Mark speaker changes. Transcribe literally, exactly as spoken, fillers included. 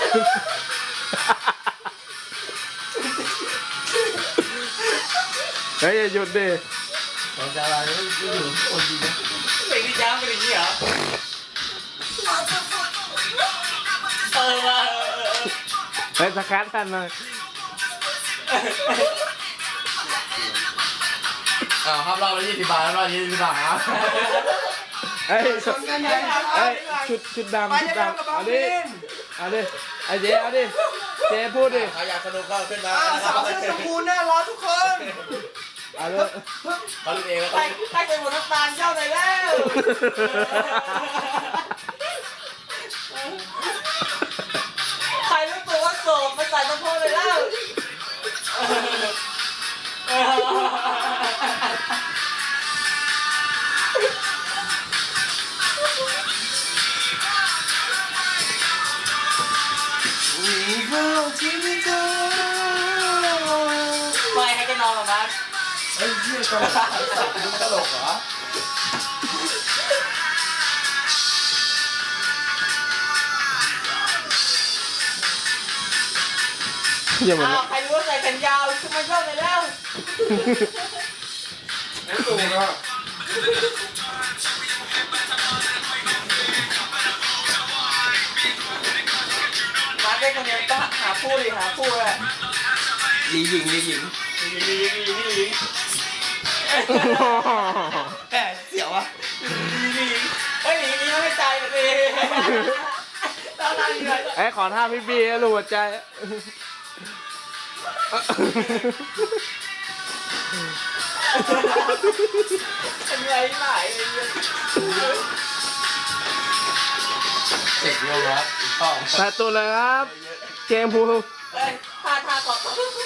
Speaker 1: เฮ้ยอย่าหยุดดิ
Speaker 2: ของดาราเนี่ยอยู่คนดีนะเพลงที่จ้างเป็นอย่างนี้เหรอเออว่ะ
Speaker 1: เฮ้ยสกัดทันเลย
Speaker 2: อ้าวครับรอบละยี่สิบบาทรอบยี่สิบบาทครับ
Speaker 1: เฮ้ยชุดเฮ้ยชุดชุดดำชุดดำเอาดิเอาดิไอ้เจ๊เอาดิเจ๊พูดดิ
Speaker 2: ใครอยากสนุกก็ขึ้นมา
Speaker 3: สาวเสื้อชมพูน่ารักทุกคน
Speaker 1: เอาเลย
Speaker 2: เขาเล่นเองแล้ว
Speaker 3: ใครใครเป็นหมดน้ำตาลเจ้าหน่อยแล้วใครรู้ตัวว่าโสดมาใส่สะโพกเลยแล้วไม่ให้กันนอนหรอมั้ง
Speaker 2: เฮ้ยเชี่ยตลกมึงตลกเหรอ
Speaker 1: อย่าเหมือน
Speaker 3: อ้าวใครรู้ว่าใส่แขนยาวขึ้นมาเจ้าหน่อยแล้วสูงอ่ะมาได้คนเดียวต้องหาคู่ดิหาคู่เลย
Speaker 2: ลีหญิงลีหญิง
Speaker 3: ลีลีลีลีลี
Speaker 2: แหมเสียวอ่ะ
Speaker 3: ลีลีเฮ้ยลีลีไม่ใจเลยต้องทำยังไง
Speaker 1: ไอ้ยขอท่าพี่บีรูหัวใจ
Speaker 3: เป็นไรหลายเลย
Speaker 2: เจ็บเยอะวะต้อง
Speaker 1: แต่ตัวเลยครับ เกมพู
Speaker 3: เฮ้ยท่าท่าก่อน